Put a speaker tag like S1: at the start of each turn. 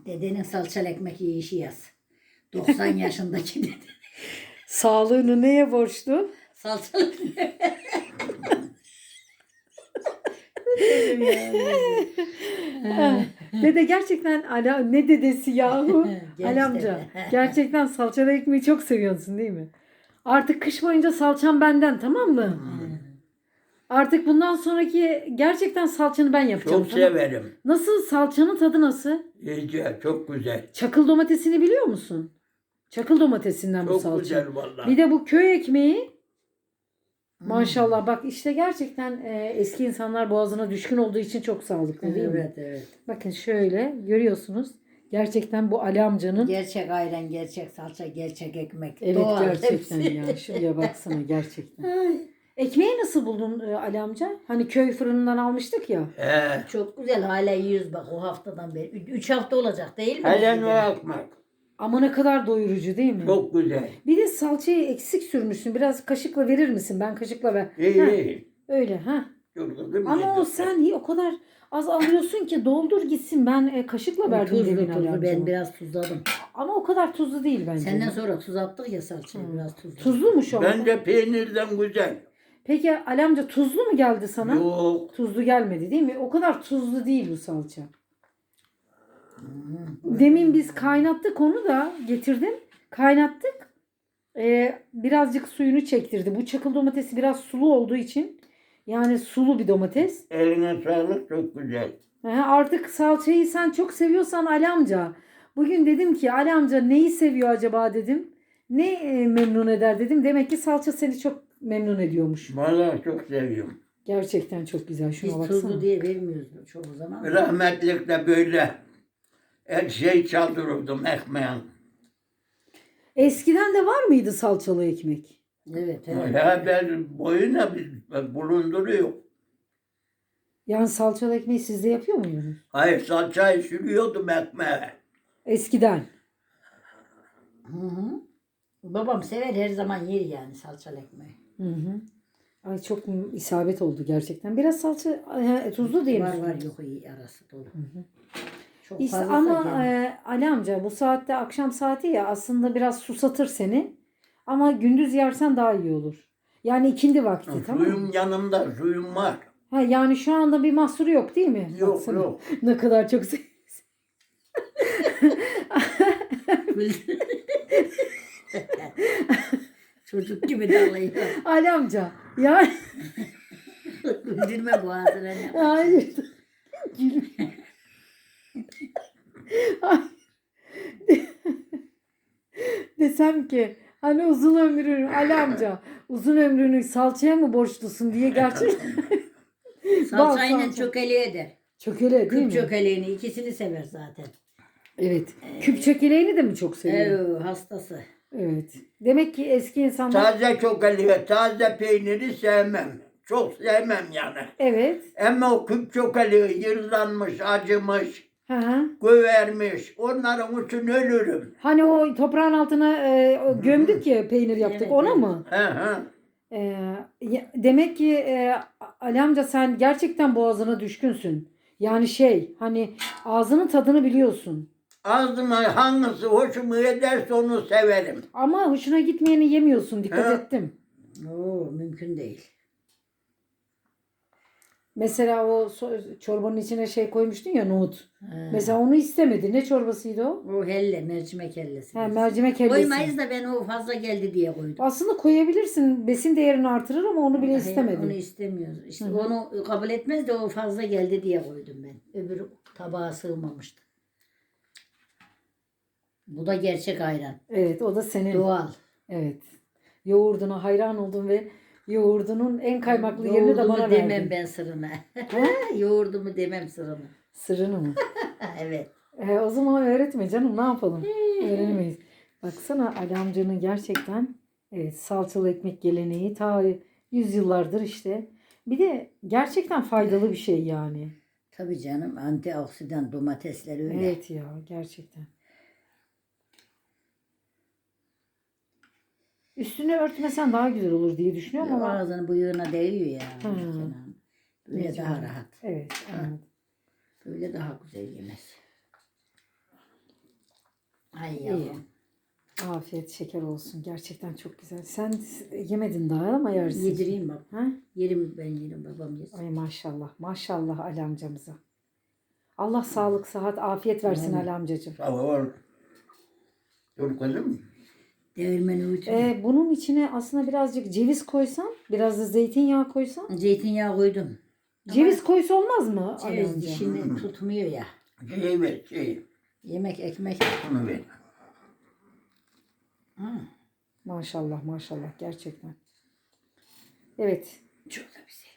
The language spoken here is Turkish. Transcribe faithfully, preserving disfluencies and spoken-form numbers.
S1: Dedenin salçalı ekmek yiyişi yaz. doksan yaşındaki dede.
S2: Sağlığını neye borçlu?
S1: Salçalı.
S2: Dede gerçekten ala ne dedesi yahu?
S1: Genç
S2: Ali amca
S1: dede.
S2: gerçekten salçalı ekmeği çok seviyorsun değil mi? Artık kış boyunca salçam benden, tamam mı? Artık bundan sonraki gerçekten salçanı ben yapacağım.
S3: Çok
S2: tamam mı?
S3: severim.
S2: Nasıl, salçanın tadı nasıl?
S3: İyice çok güzel.
S2: Çakıl domatesini biliyor musun? Çakıl domatesinden bu
S3: Çok
S2: salça.
S3: güzel vallahi.
S2: Bir de bu köy ekmeği. Maşallah bak işte gerçekten e, eski insanlar boğazına düşkün olduğu için çok sağlıklı değil mi?
S1: Evet evet.
S2: Bakın şöyle görüyorsunuz. Gerçekten bu Ali amcanın.
S1: Gerçek ayran, gerçek salça, gerçek ekmek.
S2: Evet
S1: Doğal
S2: gerçekten
S1: hepsi.
S2: ya. Şuraya baksana gerçekten.
S1: Ay,
S2: Ekmeği nasıl buldun e, Ali amca? Hani köy fırınından almıştık ya.
S3: He.
S1: çok güzel hala yiyoruz bak o haftadan beri. Ü- Üç hafta olacak değil mi?
S3: Helen
S1: Bizim?
S3: ve ekmek.
S2: Ama ne kadar doyurucu değil mi?
S3: Çok güzel.
S2: Bir de salçayı eksik sürmüşsün. Biraz kaşıkla verir misin? Ben kaşıkla ver.
S3: İyi
S2: Heh,
S3: iyi.
S2: öyle ha.
S3: Çok değil mi?
S2: Ama o sen hi- o kadar az alıyorsun ki doldur gitsin. Ben e, kaşıkla
S1: O
S2: verdim
S1: tuzlu
S2: demin Ali
S1: tuzlu
S2: amcama.
S1: ben biraz tuzladım.
S2: Ama o kadar tuzlu değil bence.
S1: Senden sonra tuz attık ya salçayı biraz tuzlu.
S2: Tuzlumuş o.
S3: Bence peynirden güzel.
S2: Peki Ali amca tuzlu mu geldi sana?
S3: Yok.
S2: Tuzlu gelmedi değil mi? O kadar tuzlu değil bu salça. Demin biz kaynattık onu da getirdim. Kaynattık. Ee, birazcık suyunu çektirdi. Bu çakıl domatesi biraz sulu olduğu için. Yani sulu bir domates.
S3: Eline sağlık çok güzel.
S2: He, artık salçayı sen çok seviyorsan Ali amca. Bugün dedim ki Ali amca neyi seviyor acaba dedim. Ne e, memnun eder dedim. Demek ki salça seni çok memnun ediyormuş.
S3: Vallahi çok seviyorum.
S2: Gerçekten çok güzel. Şuna
S1: Biz
S2: baksana.
S1: tuzlu diye vermiyoruz çoğu zaman.
S3: Rahmetlikte böyle her şey çaldırırdım ekmeğin.
S2: Eskiden de var mıydı salçalı ekmek?
S1: Evet evet.
S3: Ya ben boyuna bir bulunduruyor.
S2: Yani salçalı ekmeği siz de yapıyor muydunuz?
S3: Hayır salçayı sürüyordum ekmeğe.
S2: Eskiden.
S1: Hı hı. Babam sever her zaman yer yani salçalı ekmeği.
S2: Hı hı. Ay çok isabet oldu gerçekten. Biraz salça e, tuzlu değil mi?
S1: Var var yok iyi arası dolu. Çok
S2: İşte
S1: fazla
S2: ama
S1: gelmiyor.
S2: e, Ali amca bu saatte akşam saati ya aslında biraz susatır seni. Ama gündüz yersen daha iyi olur. Yani ikindi vakti tamam mı?
S3: Suyum yanımda suyum var.
S2: Ha, yani şu anda bir mahsuru yok değil mi?
S3: Yok
S2: Baksana.
S3: yok.
S2: Ne kadar çok sev-
S1: Çocuk gibi dalıyor.
S2: Ali amca. Ya
S1: Güldürme boğazına.
S2: hayır. Ay. Desem ki hani uzun ömrünü Ali amca uzun ömrünü salçaya mı borçlusun diye gerçekten Bal
S1: Salçayla
S2: salça.
S1: çökeli eder.
S2: çökele değil
S1: Küp
S2: mi?
S1: çökeleğini ikisini sever zaten.
S2: Evet. Küp çökeleğini de mi çok seviyor?
S1: Evet hastası.
S2: Evet. Demek ki eski insanlar
S3: Taze çokali ve taze peyniri sevmem. Çok sevmem yani.
S2: evet.
S3: Ama o küp çokali yırlanmış, acımış,
S2: Hı hı.
S3: gövermiş. Onların için ölürüm.
S2: Hani o toprağın altına e, o gömdük ya peynir yaptık
S1: Evet,
S2: ona
S1: evet.
S2: mı?
S3: He he.
S2: E, ya- demek ki e, Ali amca sen gerçekten boğazına düşkünsün. Yani şey hani ağzının tadını biliyorsun.
S3: Ağzıma hangisi hoşuma ederse onu severim.
S2: Ama hoşuna gitmeyeni yemiyorsun. Dikkat
S3: He.
S2: ettim.
S1: Oo mümkün değil.
S2: Mesela o so- çorbanın içine şey koymuştun ya nohut.
S1: He.
S2: Mesela onu istemedi. Ne çorbasıydı o?
S1: O helle, mercimek hellesi.
S2: Ha,
S1: biz.
S2: mercimek hellesi.
S1: Koymayız da ben o fazla geldi diye koydum.
S2: Aslında koyabilirsin. Besin değerini artırır ama onu bile
S1: Hayır,
S2: istemedi.
S1: Onu istemiyoruz. İşte
S2: Hı hı.
S1: onu kabul etmez de o fazla geldi diye koydum ben. Öbür tabağa sığmamıştı. Bu da gerçek ayran.
S2: Evet o da senin.
S1: Doğal.
S2: Evet. Yoğurduna hayran oldum ve yoğurdunun en kaymaklı yerini de
S1: Yoğurdumu
S2: bana
S1: demem
S2: verdin.
S1: ben sırrına. Yoğurdumu demem sırrına.
S2: Sırrını mı?
S1: Evet.
S2: E, o zaman öğretme canım ne yapalım? Öğrenemeyiz. Baksana Ali amcanın gerçekten evet, salçalı ekmek geleneği ta yüzyıllardır işte. Bir de gerçekten faydalı bir şey yani.
S1: Tabii canım antioksidan domatesler öyle.
S2: Evet ya gerçekten. Üstünü örtmesen daha güzel olur diye düşünüyorum ama.
S1: Ağzının bıyığına değiyor ya.
S2: Hmm.
S1: Kenan. Böyle
S2: Mecburen.
S1: daha rahat.
S2: Evet anladım.
S1: Böyle daha güzel yemez. Ay
S2: İyi.
S1: yavrum.
S2: Afiyet şeker olsun. Gerçekten çok güzel. Sen yemedin daha ama yersin.
S1: Yedireyim bak.
S2: Ha?
S1: Yerim ben yerim babam yesin.
S2: Ay maşallah. Maşallah Ali amcamıza. Allah sağlık, sıhhat, afiyet versin
S1: Amin.
S2: Ali amcacığım.
S3: Sağ ol. Dur kızım.
S1: Değirmeni uyutun.
S2: Ee, bunun içine aslında birazcık ceviz koysam, biraz da zeytinyağı koysam.
S1: Zeytinyağı koydum.
S2: Ceviz koysa olmaz mı Ali
S1: Ceviz
S2: amca?
S1: dişini tutmuyor ya.
S3: Şey ver şey.
S1: Yemek ekmek.
S3: Bunu ver.
S1: Hı.
S2: Maşallah maşallah gerçekten. Evet.
S1: Çok da güzel.